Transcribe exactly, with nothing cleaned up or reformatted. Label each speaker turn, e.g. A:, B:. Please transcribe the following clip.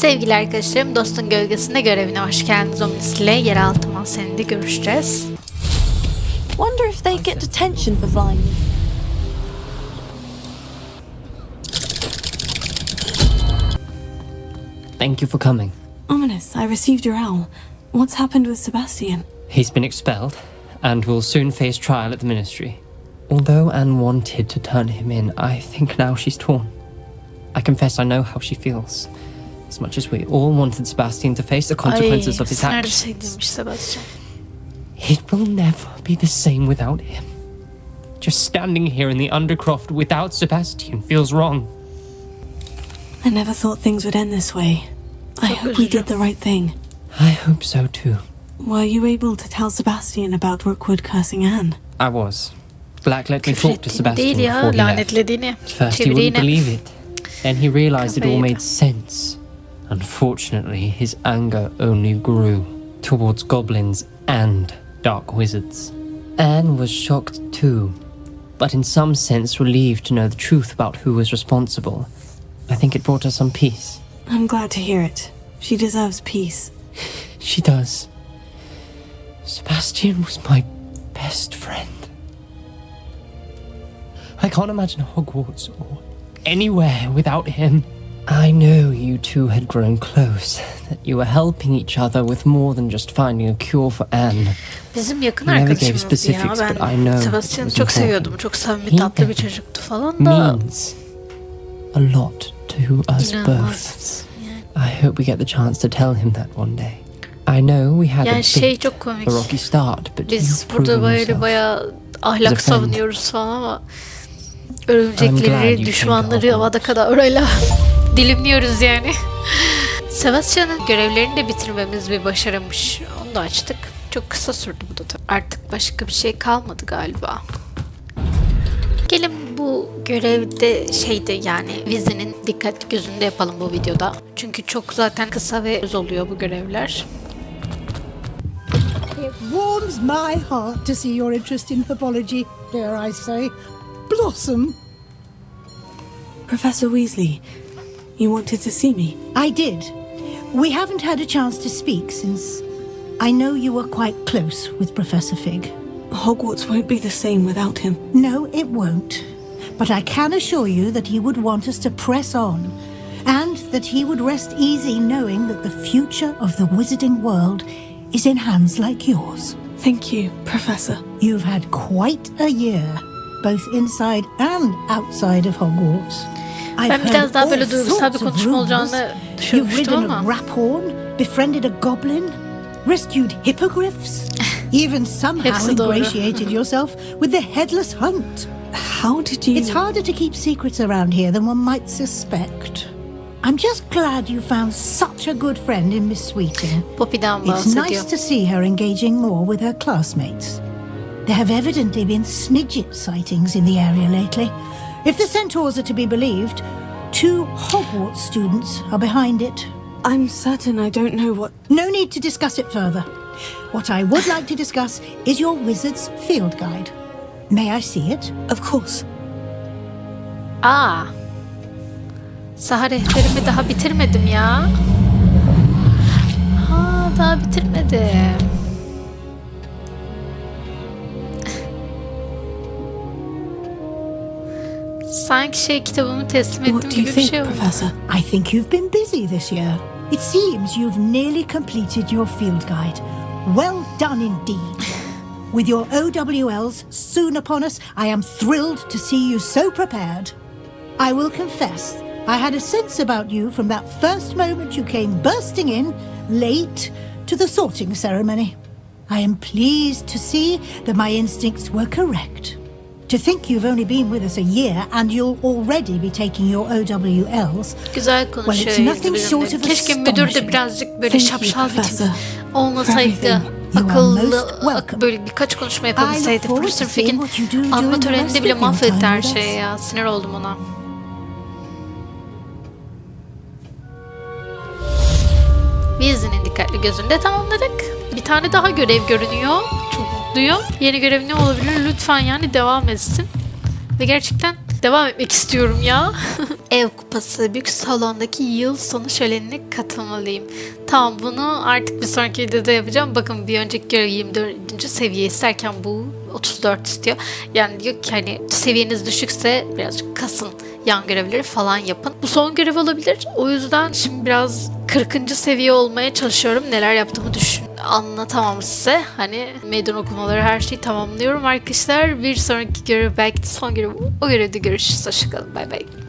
A: Sevgili arkadaşlarım, Dostun Gölgesinde görevine hoş geldiniz. Omnis ile yeraltı mahzeninde görüşeceğiz.
B: Wonder if they get detention for flying me.
C: Thank you for coming.
B: Ominous, I received your owl. What's happened with Sebastian?
C: He's been expelled and will soon face trial at the ministry. Although Anne wanted to turn him in, I think now she's torn. I confess I know how she feels. As much as we all wanted Sebastian to face the consequences
A: Ay,
C: of his
A: nerede
C: actions.
A: şey demiş Sebastian.
C: It will never be the same without him. Just standing here in the Undercroft without Sebastian feels wrong.
B: I never thought things would end this way. I
A: Çok
B: hope we
A: üzücü.
B: did the right thing.
C: I hope so too.
B: Were you able to tell Sebastian about Rookwood cursing Anne?
C: I was. Black let me talk to
A: Küfrettiğini
C: Sebastian
A: değil ya,
C: before he left.
A: lanetlediğini.
C: At first he
A: Çeviri
C: wouldn't
A: yine.
C: believe it. Then he realized it all
A: Kafayı
C: made
A: yedi.
C: sense. Unfortunately, his anger only grew towards goblins and dark wizards. Anne was shocked too, but in some sense relieved to know the truth about who was responsible. I think it brought her some peace.
B: I'm glad to hear it. She deserves peace.
C: She does. Sebastian was my best friend. I can't imagine Hogwarts or anywhere without him. I know you two had grown close, that you were helping each other with more than just finding a cure for Anne.
A: Bizim yakın
C: You never gave
A: arkadaşımızdı ya.
C: specifics, but I
A: Ben
C: know
A: Sebastian'ı
C: it
A: çok
C: was important.
A: seviyordum. Çok samimi,
C: He
A: tatlı bir çocuktu falan da.
C: Means a lot to us both.
A: İnanılmaz. Yani,
C: I hope we get the chance to tell him that one day. I know we had a
A: yani şey
C: bit
A: çok komik.
C: a rocky start, but
A: Biz
C: you've
A: burada
C: proven
A: böyle
C: yourself.
A: bayağı
C: As a
A: ahlak
C: friend.
A: savunuyoruz falan ama
C: I'm glad you
A: örümcekleri,
C: came
A: düşmanları
C: to
A: havada kadar orayla dilimliyoruz yani. Sebastian'ın görevlerini de bitirmemiz bir başarımış. Onu da açtık. Çok kısa sürdü bu da tabii. Artık başka bir şey kalmadı galiba. Gelin bu görevde şeyde yani Weasley'nin dikkatli gözünde yapalım bu videoda. Çünkü çok zaten kısa ve öz oluyor bu görevler.
D: It warms my heart to see your interest in herbology, dare I say. Blossom.
B: Professor Weasley, you wanted to see me.
D: I did. We haven't had a chance to speak since I know you were quite close with Professor Fig.
B: Hogwarts won't be the same without him.
D: No, it won't. But I can assure you that he would want us to press on, and that he would rest easy knowing that the future of the wizarding world is in hands like yours.
B: Thank you, Professor.
D: You've had quite a year, both inside and outside of Hogwarts. I've
A: Ben biraz
D: heard
A: daha
D: all
A: böyle duygusal bir
D: sorts of
A: konuşma
D: rumors.
A: olacağını
D: You've
A: düşünmüştüm
D: ridden a
A: ama
D: raphorn, befriended a goblin, rescued hippogriffs, even somehow
A: Hepsi doğru.
D: ingratiated yourself with the headless hunt.
B: How did you...
D: It's harder to keep secrets around here than one might suspect. I'm just glad you found such a good friend in Miss Sweeting.
A: Poppy'den
D: It's
A: bahsediyor.
D: nice to see her engaging more with her classmates. There have evidently been Snidget sightings in the area lately. If the centaurs are to be believed, two Hogwarts students are behind it.
B: I'm certain I don't know what...
D: No need to discuss it further. What I would like to discuss is your wizard's field guide. May I see it?
B: Of course.
A: Aa. Saha rehberimi daha bitirmedim ya. Ha, daha bitirmedim. Sanki şey kitabımı teslim
B: What
A: ettim
B: do you
A: gibi bir
B: think,
A: şey oldu.
B: Professor?
D: I think you've been busy this year. It seems you've nearly completed your field guide. Well done indeed. With your O W Ls soon upon us, I am thrilled to see you so prepared. I will confess, I had a sense about you from that first moment you came bursting in, late, to the sorting ceremony. I am pleased to see that my instincts were correct. To think you've only been with us a year and you'll already be taking your O W Ls.
A: Güzel konuşuyor.
D: Well, it's nothing
A: İzmir'in
D: short
A: de.
D: of
A: Keşke müdür de
D: astonishing.
A: birazcık böyle
B: Thank you,
A: şapşal bir tip
B: Professor,
A: olmasaydı.
B: for everything.
D: You are
A: Akıllı,
D: most welcome.
A: böyle birkaç konuşma
D: I
A: yapabilseydi.
D: look forward
A: Profesör
D: to seeing
A: Fig'in
D: what you do
A: anma
D: during the
A: töreninde
D: rest
A: bile
D: of your
A: mahvetti
D: time
A: her
D: with
A: şeyi
D: us.
A: ya. Sinir oldum ona. Weasley'nin dikkatli gözünde tamamladık. Bir tane daha görev görünüyor. Çok mutluyum. Yeni görev ne olabilir? Lütfen yani devam etsin. Ve gerçekten devam etmek istiyorum ya. Ev kupası büyük salondaki yıl sonu şölenine katılmalıyım. Tamam, bunu artık bir sonraki videoda yapacağım. Bakın bir önceki görev yirmi dördüncü seviye isterken bu otuz dört istiyor. Yani diyor ki hani seviyeniz düşükse birazcık kasın, yan görevleri falan yapın. Bu son görev olabilir. O yüzden şimdi biraz kırkıncı seviye olmaya çalışıyorum. Neler yaptığımı düşün anlatamam size. Hani meydan okumaları, her şeyi tamamlıyorum arkadaşlar. Bir sonraki görev belki de son görev. O görevde görüşürüz. Hoşçakalın. Bay bay.